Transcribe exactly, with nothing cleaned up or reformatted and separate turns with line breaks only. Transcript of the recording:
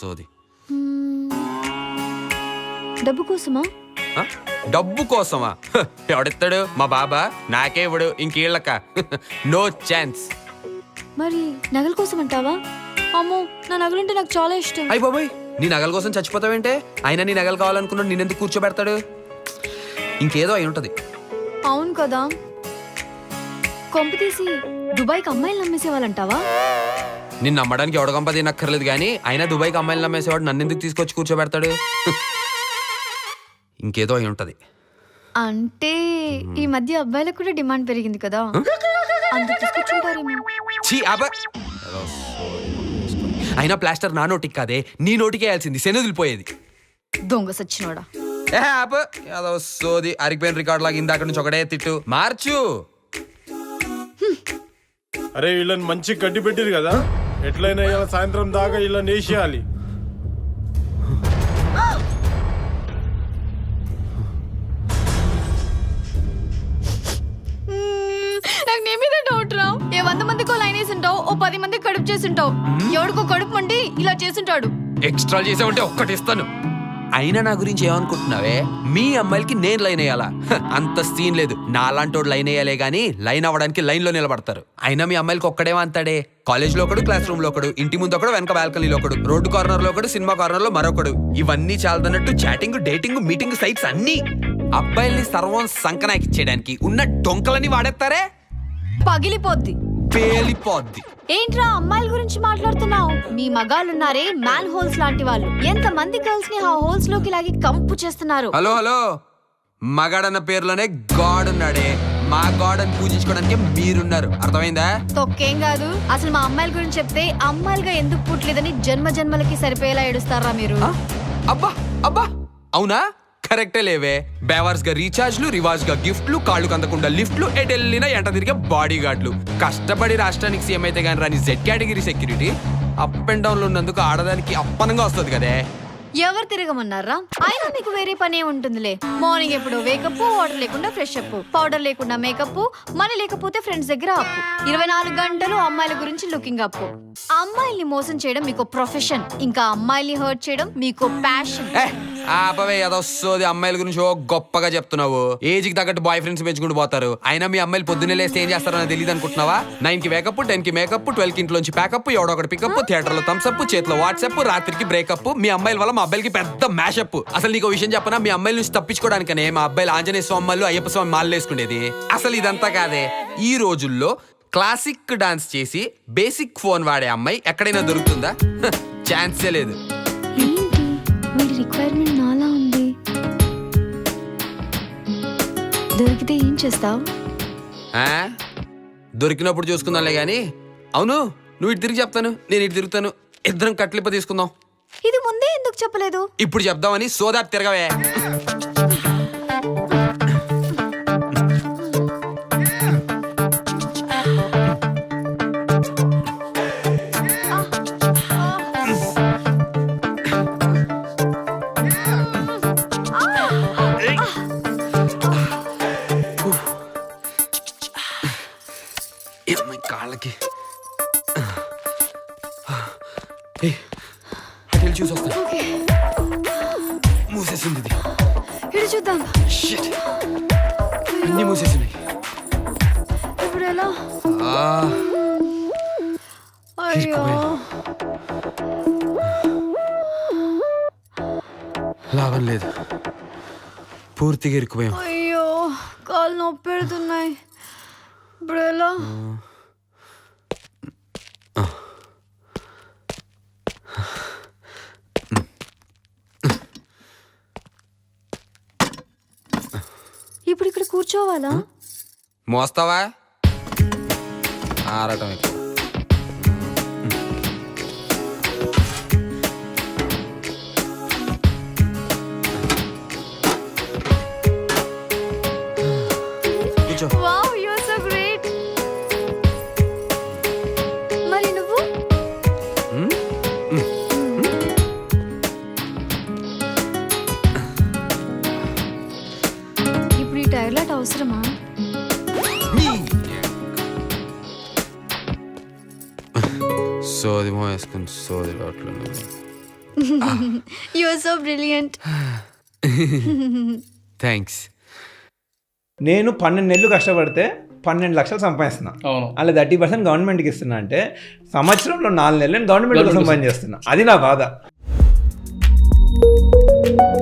సోది.
డబ్బు కోసమా?
డబ్బు కోసమా? ఎవడిస్తాడు? మా బాబా నాకే ఇవ్వడు, ఇంకీళ్ళక నో ఛాన్స్.
మరి నగల కోసం అంటావా? అమ్మో, నా నగలంటే నాకు చాలా ఇష్టం.
అయ్య బాబాయ్, నీ నగల కోసం చచ్చిపోతావేంటే? అయినా నీ నగలు కావాలనుకున్నాడు, నేనెందుకు కూర్చోబెడతాడు? ఇంకేదో అయి ఉంటది.
అవును కదా. కొంప తీసి దుబాయ్కి అమ్మాయిలు నమ్మేసేవాళ్ళంటావా?
నిన్ను నమ్మడానికి ఎవడ గంప తినక్కర్లేదు కానీ అయినా దుబాయ్కి అమ్మాయిలు నమ్మేసేవాడు నన్ను ఎందుకు తీసుకొచ్చి కూర్చోబెడతాడు? ఇంకేదో అయి ఉంటది.
అంటే ఈ మధ్య అబ్బాయిలకు కూడా డిమాండ్ పెరిగింది కదా, అందుకు తీసుకొచ్చుంటారేమో.
ఛీ అబ్బా, అయినా ప్లాస్టర్ నా నోటికి కాదే, నీ నోటికి వేయాల్సింది, శనదిలిపోయేది.
దొంగ సచ్చినోడా.
ఏ అబ్బా, ఏదో సోది అరిగిపోయిన రికార్డ్ లాగా ఇందాక నుంచి ఒకటే తిట్టు మార్చు.
అరే వీళ్ళని మంచి గడ్డి పెట్టిరు కదా, ఎట్లయినా ఇలా సాయంత్రం దాకా ఇలా నేసేయాలి.
నాకు నీ మీద డౌట్ రా. ఏ వంద మందికో లైన్ వేసి ఉంటావు, ఓ పది మందికి కడుపు చేసి ఉంటావు. ఎవడికో కడుపు మండి ఇలా చేసుంటాడు.
ఎక్స్ట్రా చేసావంటే ఒక్కటి ఇస్తాను. అయినా నా గురించి ఏమనుకుంటున్నావే? మీ అమ్మాయిలకి నేను లైన్ వేయాలా? అంత సీన్ లేదు. నా లాంటోడు లైన్ వేయాలే గానీ లైన్ అవ్వడానికి లైన్ లో నిలబడతారు. అయినా మీ అమ్మాయిలకి ఒక్కడేమో అంతాడే. కాలేజ్ లో ఒకడు, క్లాస్ రూమ్ లో ఒకడు, ఇంటి ముందు ఒకడు, వెనక బాల్కనీలో ఒకడు, రోడ్డు కార్నర్ లో ఒకడు, సినిమా కార్నర్ లో మరొకడు. ఇవన్నీ చాలదన్నట్టు చాటింగ్, డేటింగ్, మీటింగ్ సైట్స్ అన్ని. అబ్బాయిల్ని సర్వం సంకనాకిచ్చేయడానికి ఉన్న డొంకలని వాడేస్తారే,
పగిలిపోద్ది,
పేలిపోద్ది.
ఏంట్రా అమ్మాయిల గురించి మాట్లాడుతున్నావు? మీ మగాళ్ళున్నారే మ్యాన్ హోల్స్ లాంటి వాళ్ళు, ఎంత మంది గర్ల్స్ ని ఆ హోల్స్ లోకి లాగి కంపు చేస్తున్నారు.
హలో హలో, మగాడన్న పేరులోనే గాడ్ ఉన్నాడే. మా గాడ్ అని పూజించుకోవడానికి మీరున్నారు, అర్థమైందా?
తొక్కేం కాదు. అసలు మా అమ్మాయిల గురించి చెప్తే అమ్మాయిలుగా ఎందుకు పుట్టలేదని జన్మ జన్మలకి సరిపోయేలా ఏడుస్తారా మీరు?
అబ్బా అబ్బా, అవునా? కరెక్టే లేవే. బేవర్స్ గా రీఛార్జ్లు, రివాజ్ గా గిఫ్ట్లు, కాళ్ళు కందకుండా లిఫ్ట్లు, ఎటెళ్ళినా ఎంట తిరిగే బాడీ గార్డ్లు. కష్టపడి రాష్ట్రానికి సీఎం అయితే గానీ రాని Z category security up and down లో ఉన్నందుకు ఆడదానికి అప్పనంగా వస్తుంది కదే.
ఎవరు తిరగమన్నారా? అయినా మీకు వేరే పనే ఉంటుందిలే. మార్నింగ్ ఎప్పుడు వేకప్, వాటర్ లేకుండా ఫ్రెష్ అప్, పౌడర్ లేకుండా మేకప్, మనీ లేకపోతే ఫ్రెండ్స్ దగ్గర అప్పు, ఇరవై నాలుగు గంటలు అమ్మాయిల గురించి లుకింగ్ అప్పు. అమ్మాయిల్ని మోసం చేయడం మీకు ప్రొఫెషన్, ఇంకా అమ్మాయిల్ని హర్ట్ చేయడం మీకు ప్యాషన్.
ఆపవే, అదొస్తుంది. అమ్మాయిల గురించి ఓ గొప్పగా చెప్తున్నావు. ఏజ్ కి తగ్గట్టు బాయ్ ఫ్రెండ్స్ పెంచుకుంటూ పోతారు. అయినా మీ అమ్మాయిలు పొద్దున్నే లేస్తే ఏం చేస్తారో నాకు తెలియదు అనుకుంటున్నావా? నైన్ కి వేకప్, టెన్ కి మేకప్, ట్వెల్వ్ కి ఇంట్లోంచి ప్యాకప్, ఎవడో ఒకటి పికప్, థియేటర్ లో థమ్స్ అప్, చేతిలో వాట్సాప్, రాత్రికి బ్రేకప్. మీ అమ్మాయిల వల్ల మా అబ్బాయిలకి పెద్ద మ్యాషప్. అసలు నీకు విషయం చెప్పనా? మీ అమ్మాయిల నుంచి తప్పించుకోవడానికనే మా అబ్బాయిలు ఆంజనేయ స్వామి మాలు, అయ్యప్ప స్వామి మాలు వేసుకునేది. అసలు ఇదంతా కాదే. ఈ రోజుల్లో క్లాసిక్ డాన్స్ చేసి బేసిక్ ఫోన్ వాడే అమ్మాయి ఎక్కడైనా దొరుకుతుందా? ఛాన్సే లేదు.
ఏంటి వీడి రిక్వైర్మెంట్ నాలా ఉంది? దొరికితే ఏం చేస్తావు?
దొరికినప్పుడు చూసుకుందాంలే గాని. అవును, నువ్వు ఇటు తిరిగి చెప్తాను, నేను ఇటు తిరుగుతాను, ఇద్దరం కట్లిప్ప తీసుకుందాం.
ఇది ముందే ఎందుకు చెప్పలేదు?
ఇప్పుడు చెప్దామని. సోదా తిరగవే. కాళ్ళకి చూసి వస్తా. మూసేసింది ఇది.
ఇటు చూద్దాం.
అన్ని మూసేసినాయి.
ఇప్పుడు ఎలా? అయ్యో,
లాభం లేదు, పూర్తిగా ఇరుక్కుపోయాం.
అయ్యో, కాళ్ళు నొప్పి పెడుతున్నాయి. ఇప్పుడు ఎలా? ఇప్పుడు ఇక్కడ కూర్చోవాలా?
మోస్తావా? ఆరటం ఎక్కువ. కూర్చో.
Wow, you're so great. మరి నువ్వు? ఇప్పుడు ఈ టైర్లెట్ అవసరమా?
సోది మో వేసుకుని సోది లోట్లు.
You are so brilliant.
Thanks.
నేను పన్నెండు నెలలు కష్టపడితే పన్నెండు లక్షలు సంపాదిస్తున్నా.
అవును.
అలా థర్టీ పర్సెంట్ గవర్నమెంట్కి ఇస్తున్నా అంటే సంవత్సరంలో నాలుగు నెలలు నేను గవర్నమెంట్ కోసం పని చేస్తున్నా. అది నా బాధ.